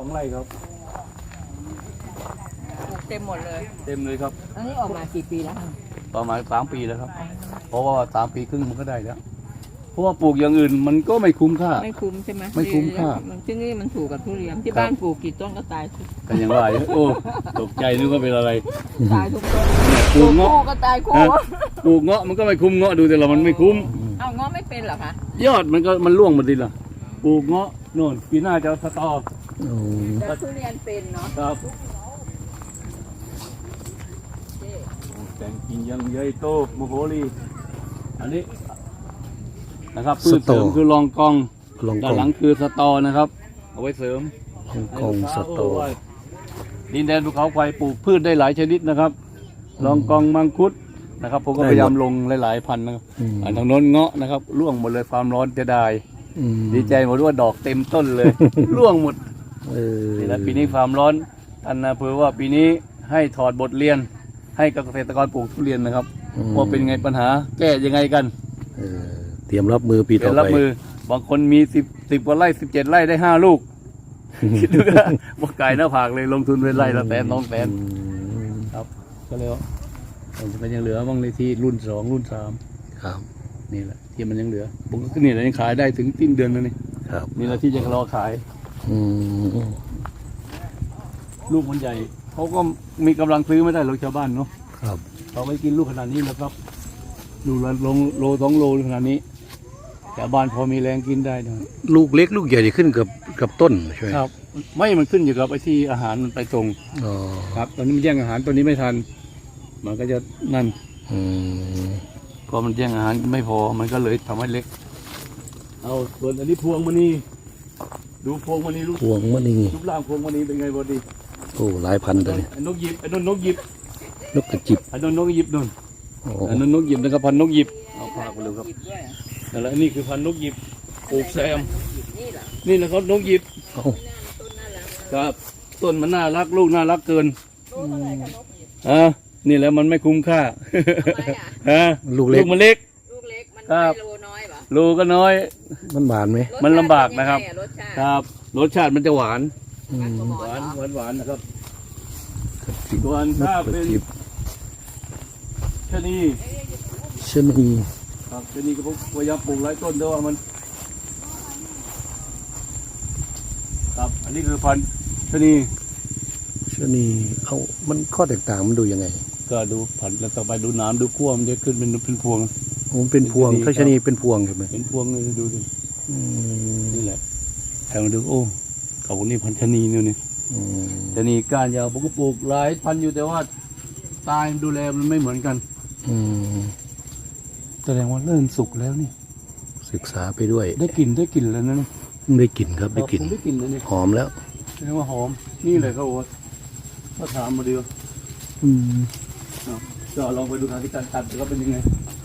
2 ไร่ครับเต็มหมดเลยเต็มเลยครับอันนี้ออกมากี่ปีแล้วประมาณ3 ปีแล้วครับเพราะว่า3 ปีครึ่งมันก็ได้แล้วเพราะว่าปลูกอย่างอื่นมันก็ไม่คุ้มค่าไม่คุ้มใช่ไหมไม่คุ้มค่าที่นี่มันถูกกับทุเรียนที่บ้านปลูกกี่ต้นก็ตายกันอย่างไรโอ้ตกใจนึกว่าเป็นอะไรตายทุกต้นปลูกเงาะก็ตายคู่ปลูกเงาะมันก็ไม่คุ้มเงาะดูแต่ละมันไม่คุ้มเอาเงาะไม่เป็นเหรอคะยอดมันร่วงหมดดิล่ะปลูกเงาะโน่นปีหน้าจะสตอแต่ทุเรียนเป็นเนาะครับแต่งกิ่งยังใหญ่โตโมโหลีอันนี้นะครับพืชเสริมคือรองกองด้านหลังคือสตอนะครับเอาไว้เสริมรองกองสตอดินแดนภูเขาไฟปลูกพืชได้หลายชนิดนะครับรองกองมังคุดนะครับผมก็พยายามลงหลายๆพันนะครับทางโน้นเงาะนะครับร่วงหมดเลยความร้อนจะได้ดีใจหมดว่าดอกเต็มต้นเลยร่วงหมดนี่แหละปีนี้ความร้อนท่านอำเภอว่าปีนี้ให้ถอดบทเรียนให้กับเกษตรกรปลูกทุเรียนนะครับว่าเป็นไงปัญหาแก้ยังไงกันเตรียมรับมือปีต่อไปรับบางคนมี10 กว่าไร่17 ไร่ได้5 ลูกคิดดูนะบอกไก่หน้าผากเลยลงทุนเป็นไร่ละ100,000 200,000ครับก็เลยมันยังเหลือบ้างเลยที่รุ่น2 รุ่น3 ครับนี่แหละที่มันยังเหลือผมก็นี่แหละยังขายได้ถึงสิ้นเดือนแล้วนี่ครับนี่แหละที่จะรอขายลูกมันใหญ่เขาก็มีกำลังซื้อไม่ได้หรอกชาวบ้านเนาะครับเขาไม่กินลูกขนาดนี้แล้วครับลูกละโล 2 โลขนาดนี้ชาวบ้านพอมีแรงกินได้นะลูกเล็กลูกใหญ่ขึ้นกับต้นใช่ไหมครับไม่มันขึ้นอยู่กับไอ้ที่อาหารมันไปตรงครับตอนนี้มันแย่งอาหารตัวนี้ไม่ทันมันก็จะนั่นพอมันแย่งอาหารไม่พอมันก็เลยทำให้เล็กเอาส่วนอันนี้พวงมณีดูพวงมณีพวงมณีรูปร่างพวงมณีเป็นไงบอดีโอ้หลายพันตัวเนี่ยนกหยิบนกหยิบนกกระจิบนกหยิบนนกหยิบนะครับพันนกหยิบเอาพาไปเลยครับนั่นแหละนี่คือพันนกหยิบปลูกแซมนี่นะครับนกหยิบครับต้นมันน่ารักลูกน่ารักเกินนี่แหละมันไม่คุ้มค่าลูกเล็กมันเล็กครับลูกก็น้อยมันหวานไหมมันลำบากนะครับครับรสชาติมันจะหวานนะครับส่วนถ้าเป็นชะนีครับชะนีก็พยายามปลูกหลายต้นด้วยว่ามันครับอันนี้คือพันธุ์ชะนีมันข้อแตกต่างมันดูยังไงก็ดูผันแล้วต่อไปดูน้ำดูขั้วมันจะขึ้นเป็นพวงเป็นพวงถ้าชะนีเป็นพวงใช่ไหมเป็นพวงเลยดูดินี่แหละแถวดูโอ้เขาพวกนี้พันธุ์ชะนีนี่ชะนีก้านยาวผมก็ปลูกหลายพันธุ์อยู่แต่ว่าตายดูแลมันไม่เหมือนกันแสดงว่าเริ่มสุกแล้วนี่ศึกษาไปด้วยได้กลิ่นแล้วนะได้กลิ่นครับได้กลิ่นแล้วนี่หอมแล้วแสดงว่าหอมนี่เลยเขาบอกก็ถามมาดีว่าก็ลองไปดูทางที่การตัดก็เป็นยังไง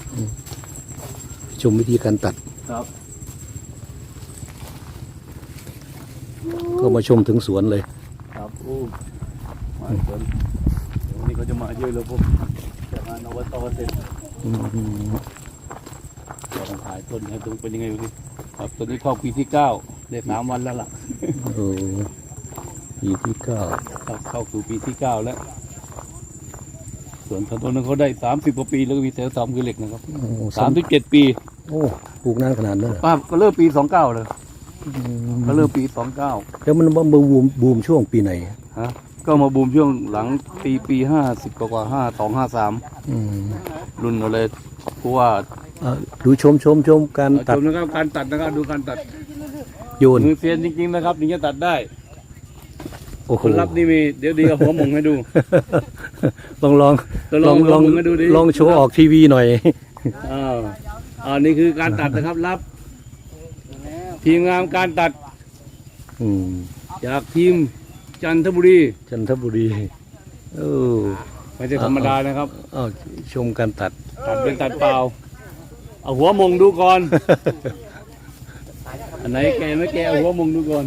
ชมวิธีการตัดครับก็มาชมถึงสวนเลยครับโอ้มาสวนวันนี้เขาจะมาเยอะเลยพวกจะมานวัตเสร็จเราต้องถ่ายต้นให้ดูเป็นยังไงดูสิครับต้นนี้เข้าปีที่9ได้3 วันแล้วล่ะปีที่9 เข้าสู่ปีที่9แล้วส่วนต้นนั้นเขาได้30 กว่าปีแล้วก็มีแถว3คือเหล็กนะครับ37 ปีโอ้ปลูกนานขนาดนั้นเหรอก็เริ่มปี29เลยก็เริ่มปี29 แล้วมันบูมช่วงปีไหนก็มาบูมช่วงหลังปี50 กว่า52 53รุ่นเราเลยเพราะว่าดูชมการตัดนะครับการตัดนะครับดูการตัดโยนมือเซียนจริงๆนะครับถึงจะตัดได้คนรับนี่มีเดี๋ยวดีกับหัวหมงให้ดูลองโชว์ออกทีวีหน่อยนี่คือการตัดนะครับรับทีมงานการตัดจากทีมจันทบุรีไม่ใช่ธรรมดานะครับชมการตัดเป็นตัดเปล่าเอาหัวมงดูก่อนอันไหนแกไม่แกเอาหัวมงดูก่อน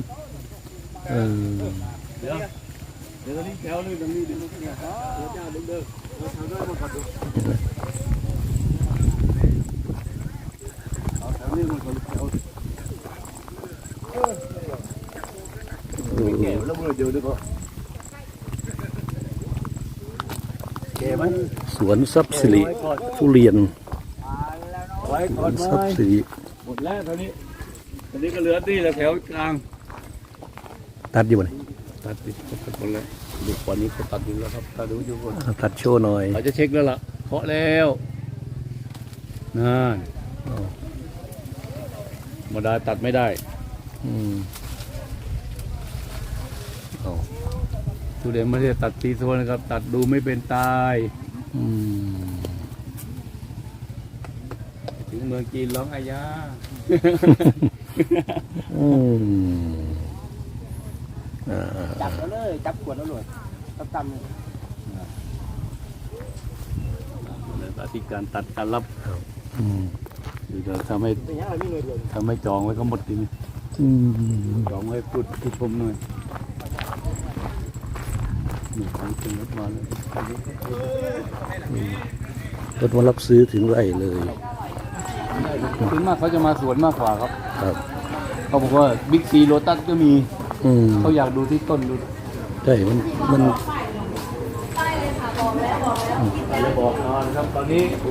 เดี๋ยวตอนนี้แถวนึงตรงนี้เดี๋ยวเจ้าเดินเราทำได้มาก่อนดูเอาแถวนี้มาก่อนแถวแล้วมันเดี๋ยวก็เก๋มันสวนทรัพย์สิริทุเรียนไว้สก่วอนนทรัพย์สิริหมดแล้วตอนนี้ก็เหลือที่แถวกลางตัดอยู่ไหนตัดหมดเลยดูวันนี้เขาตัดอยู่แล้วครับถ้าดูอยู่ก่อนตัดโชว์หน่อยเขาจะเช็คแล้วล่ะเคาะแล้วนั่นอ๋อธรรมดาตัดไม่ได้อืมเอาทุเรียนไม่ได้ตัดตีโซนนะครับ ตัดดูไม่เป็นตายอืมถึงเมืองจีนร้องอายาอืมอ่าจับแล้วเลยจับขวดแล้วเลยตำอธิการตัดการรับอืมเดี๋ยวทำให้เป็นยังไงมีหน่วยเดียวทำให้จองไว้ก็หมดทีนี้อืมจองไว้พูดผู้ชมหน่อยนี่ของจริงรถมาเลยรถมารับซื้อถึงไร่เลยถึงมากเขาจะมาสวนมากกว่าครับครับเขาบอกว่าบิ๊กซีโรตัสก็มีอืมเขาอยากดูที่ต้นดูใช่มันจะบอกนอนครับตอนนี้โอ้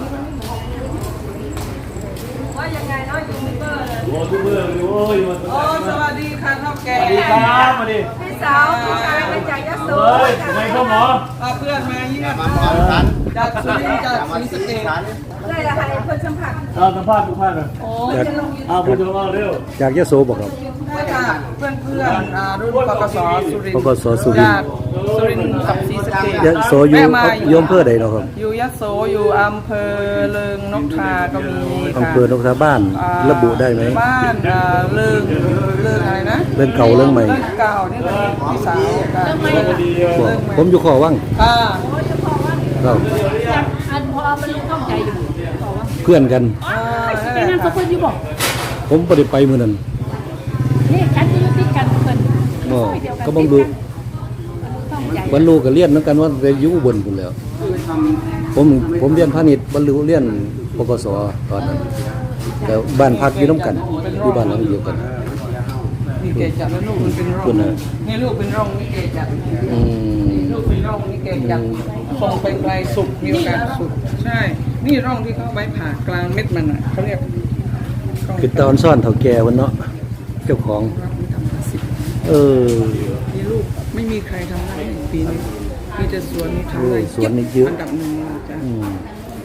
ว่ายังไงเนาะยูทูบเบอร์เลยโหทุกเมื่อเลยโอ้ยมาโอ้สวัสดีค่ะเท่าแก่สวัสดีครับมาดิพี่สาวพี่ชายมาจากยะโสเฮ้ยทำไมเข้าหมอเพื่อนมาเยี่ยมจากสุรินทร์จากศรีสะเกษได้ละค่ะเพื่อนสัมผัสเอาสัมภาษณ์ทุกท่านเลยโอ้จากเอาผู้ชมเอาเร็วจากยะโสบอกครับค่ะเพื่อนรุ่นปกสสุรินทปร์กสสุรินทร์จากสุรินทร์กับศรีสะเกษยะโสอยู่โยมเพื่อใดเนาะครับอยู่ยะโสอยู่อำเภอเลิงนกทาก็มีอำค่ะเภอนกทาบ้านระบุได้ไหมบ้านเลิงอะไรนะเรื่องเก่าเรื่องใหม่เรื่องเก่านี่ก็พี่สาวกันบอกผมอยู่ขอว่างค่ะครับอันพอมันต้องใจอยู่เพื่อนกันเป็นนั่นเขาเพื่อนที่บอกผมบ่ได้ไปมื้อนั้นนี่กันที่ติดกันเพื่อนบ่ก็บ่รู้ต้องใจบรรลุก็เรียนเหมือนกันว่าไปอยู่อุบลพุ่นแหล้ว ผมเรียนพาณิชย์บรรลุเรียนปกสตอนนั้นแต่บ้านพักอยู่นํกันอยู่บ้านหลังเดียวกันนี่เกจัดแล้วลูกมันเป็นร่คุองณน่ะนี่ลูกเป็นร่องนี่เกจัดอืมลูกเป็นร่องนี่เกจัดทรงเป็นไกลสุกมีโอกาสสุกใช่ นี่ร่องที่เขาไว้ผ่ากลางเม็ดมันอ่ะเขาเรียกร่องคือตอนซ่อนเฒ่าแก่วันเนาะเจ้าของ เออมีลูกไม่มีใครทำได้ในปีนี้มีแต่สวนนี้ทำได้สวนนี่เยอะอันดับหนึ่งเลยจ้ะอืม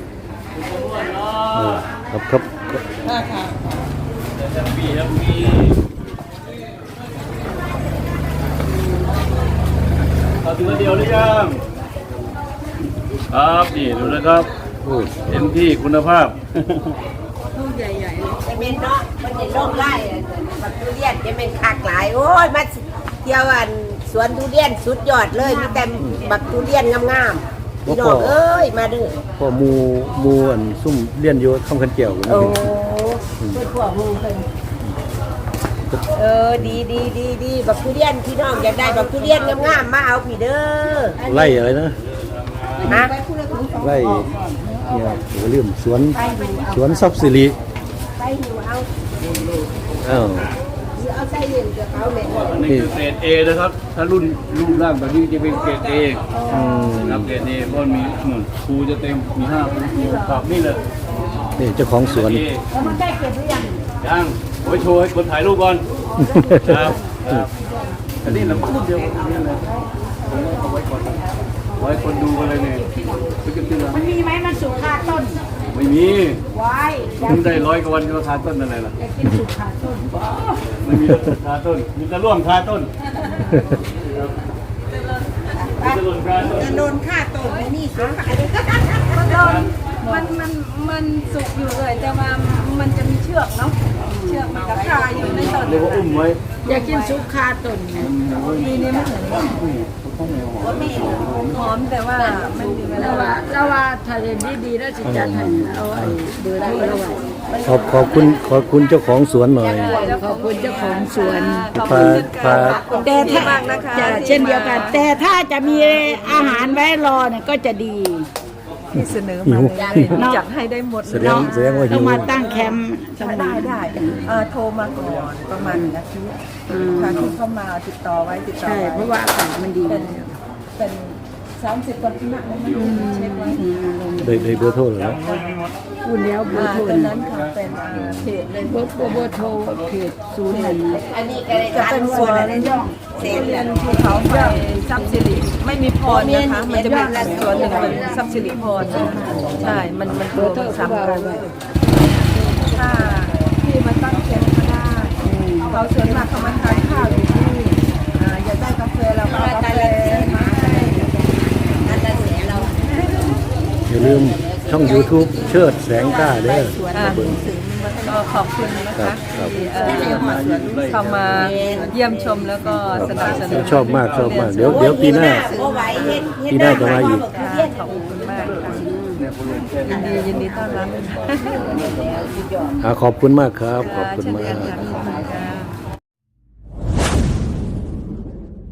เออครับครับถ้าค่ะเอาถึงเดียวหรือยังครับนี่ดูนะครับโอ้เต็มที่คุณภาพลูกใหญ่ๆเลยจะเป็นเนาะมันจะโรคไล่บักทุเรียนจะเป็นคากหลาย โอ้ยมาเที่ยวอันสวนทุเรียนสุดยอดเลยมีแต่บักทุเรียนงามๆพี่น้องเอ้ยมาเด้อพ่อหมูอันซุ่มเลี้ยนอยู่คำคันแก้วกันโอ้เพื่อนพวกมึงเพิ่นดีบักทุเรียนพี่น้องอยากได้บักทุเรียนงามๆมาเอาพี่เด้อไล่อะไรนะฮะไล่เนี่ยโอ้ลืมสวนทรัพย์สิริไปหิวเอาอ้าวเอาใส่เย็นกับเขาแม่อันนี้คือเกรด A นะครับ ถ้ารุ่นรูปร่างแบบนี้จะเป็นเกรด A อืมนะครับเกรด A เพราะมีครูจะเต็มมี5ครูครับนี่เลยนี่เจ้าของสวน A แล้วมันได้เก็บหรือยังยังไว้โชว์ให้คนถ่ายรูปก่อนครับครับอันนี้เราพูดเดียวกันนี่เลยผมเอาไว้ก่อนไว้คนดูกันเลยเนี่ยจะขึ้นมันมีไหมมันสุกคาต้นไม่มีไว้เพิ่งได้100 กว่าวันก็คาต้นอะไรล่ะกินสุกคาต้นไม่มีคาต้นมีแต่ร่วงคาต้นมีแต่ร่วงคาต้นจะโดนค่าต้นไม่มีสุกคาต้นมันสุกอยู่เลยแต่ว่ามันจะมีเชือกเนาะเชือกมันกับคาอยู่ในต้นเรียกว่าอุ้มไว้อยากกินสุกคาต้นดีนี่มันหอมแต่ว่ามันอยู่เวลาเราว่าถ้าเรียนดีๆแล้วจะจัดให้เอาไอ้เบอร์ได้แล้วขอบคุณเจ้าของสวนหน่อยขอบคุณเจ้าของสวนพาแต่ถ้ามากนะคะจะเช่นเดียวกัน แต่ถ้าจะมีอาหารไว้รอเนี่ยก็จะดีที่เสนอมาเลยจัดให้ได้หมดแสดงว่าต้หิองวมาตั้งแคมป์สำนัได้กได้โทรมาก่อนประมาณ1 อาทิตย์ทางที่เข้ามาติดต่อไว้ใช่เพราะว่าอากาศมันดีเป็น30 กว่าที่นั่งนะเช็คไว้ได้เบอร์โทรแล้วพูดแล้วเบอร์โทรตอนนั้นค่ะเป็นเพจเลยเบอร์โทรเพจ01 อันนี้ก็ได้จะทานเป็นสสววน นเสร็จเรีแล้ยว นภูเขาไฟทรัพย์สิริไม่มีพรนะคะ มันจะเป็นสวนหนึ่งเป็นทรัพย์สิริพรใช่ มันรวมสามกันถ้าที่มาตั้งแคมป์ก็ได้เขาส่วนมากเขามาทานข้าวอยู่ที่นี่อยากได้กาแฟเราก็เอากาแฟมาให้นั่นแหละเสียเราอย่าลืมช่อง YouTube เชิดแสงกล้าเด้อก็ขอบคุณนะครัคะบครับที่เข้ามาเยี่ยมชมแล้วก็สนับสนุนชอบมากเดี๋ยวปีหน้าโอ้ไหวเฮ็ดปีหน้าจะมาอีกค่ะขอบคุณมากค่ะยินดีต้อนรับขอบคุณมากครับ ขอบคุณมากเช่นเดียวกันค่ะ